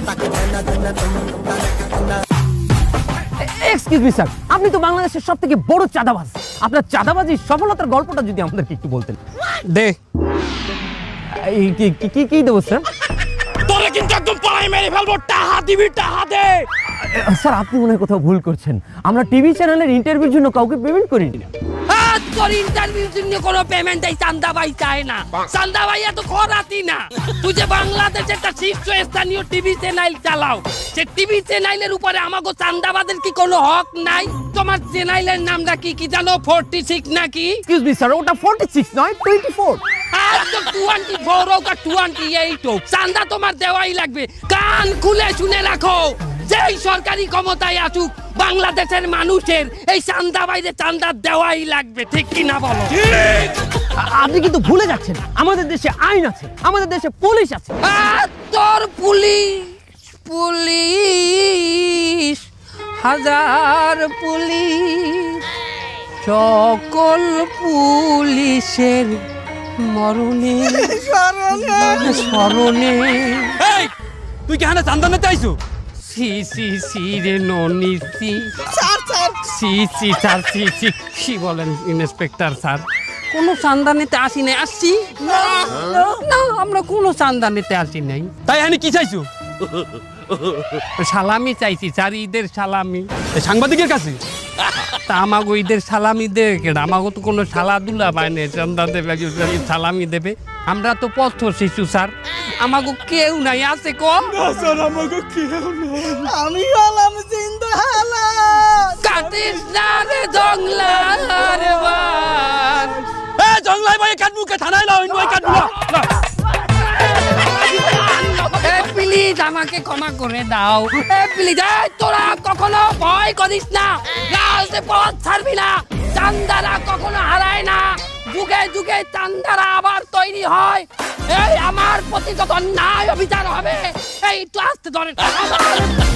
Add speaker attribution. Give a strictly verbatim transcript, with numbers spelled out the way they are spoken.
Speaker 1: Excuse me sir, আপনি তো বাংলাদেশের সব থেকে বড় চাঁদাবাজ। আপনার চাঁদাবাজির সফলতার গল্পটা যদি আমাদেরকে একটু বলতেন।
Speaker 2: দে
Speaker 1: এই কি কি- কি কি দেবো স্যার?
Speaker 2: তোরে কিন্তু একদম পড়াই মেরে ফেলবো। টাহা দিবি, টাহা দে।
Speaker 1: স্যার আপনি মনে হয় কোথাও ভুল করছেন। আমরা টিভি চ্যানেলের ইন্টারভিউর জন্য কাউকে পেমেন্ট করি না।
Speaker 3: আজ তোর ইন্টারভিউ জন্য কোনো পেমেন্ট এই চান্দা ভাই চায় না। চান্দা ভাই এত খরাতি না। তুই যে বাংলাদেশে একটা শীর্ষস্থানীয় টিভি চ্যানেল চালাও, সে টিভি চ্যানেলের উপরে আমাকে চান্দাবাদের কি কোনো হক নাই? তোমার চ্যানেলের নামটা কি কি জানো? ফোরটি সিক্স নাকি?
Speaker 1: এক্সকিউজ মি স্যার, ওটা ফর্টি সিক্স নয়, টোয়েন্টি ফোর।
Speaker 3: আজ তো টোয়েন্টি ফোর হোক আর টোয়েন্টি এইট হোক, চান্দা তোমার দেওয়াই লাগবে। কান খুলে শুনে রাখো, যেই সরকারি ক্ষমতায় আসুক, বাংলাদেশের মানুষের এই চান্দা বাইরে চান্দা দেওয়াই লাগবে। ঠিক কি না বলো?
Speaker 1: আপনি কিন্তু ভুলে যাচ্ছেন, আমাদের দেশে আইন আছে, আমাদের দেশে পুলিশ আছে।
Speaker 3: আর তোর পুলিশ পুলিশ হাজার পুলিশ, সকল পুলিশের মরণে স্মরণে।
Speaker 2: এই তুই কি হানা চান্দা নিতে আইছো?
Speaker 3: সি সি সি রে ননি সি সি সি স্যার সি সি কি বলেন ইন্সপেক্টর স্যার? কোনো চান্দা নিতে আসি নাই। আসছি না, আমরা কোনো চান্দা নিতে আসি নাই।
Speaker 2: তাই হানি কি চাইছো?
Speaker 3: সালামি চাইছি স্যার, ঈদের সালামি।
Speaker 2: এই সাংবাদিকের কাছে?
Speaker 3: তা আমাগো ঈদের সালামি দেবে কেডা? আমাগো তো কোনো সালাদুলা পায় না, চান্দা দেবে সালামি দেবে। আমরা তো পথ শিশু স্যার, আমাগো কেউ নাই। আছে কম
Speaker 2: স্যার আমাকে কেউ নাই।
Speaker 4: আমি হলাম জিন্দা
Speaker 3: কাটিস না রে জংলার বান।
Speaker 2: এ জংলাই ভাই কাটমুকে থানায় লাও, ইনওয়াই কাটমু।
Speaker 3: এ প্লিজ আমাকে ক্ষমা করে দাও। এ প্লিজ, তোরা কখনো ভয় করিস না, রাজে পথ ছাড়বি না। চান্দারা কখনো হারায় না, যুগে যুগে চান্দারা আবার তৈরি হয়। এই আমার প্রতি যত ন্যায় অবিচার হবে, এই তো আসতে ধরে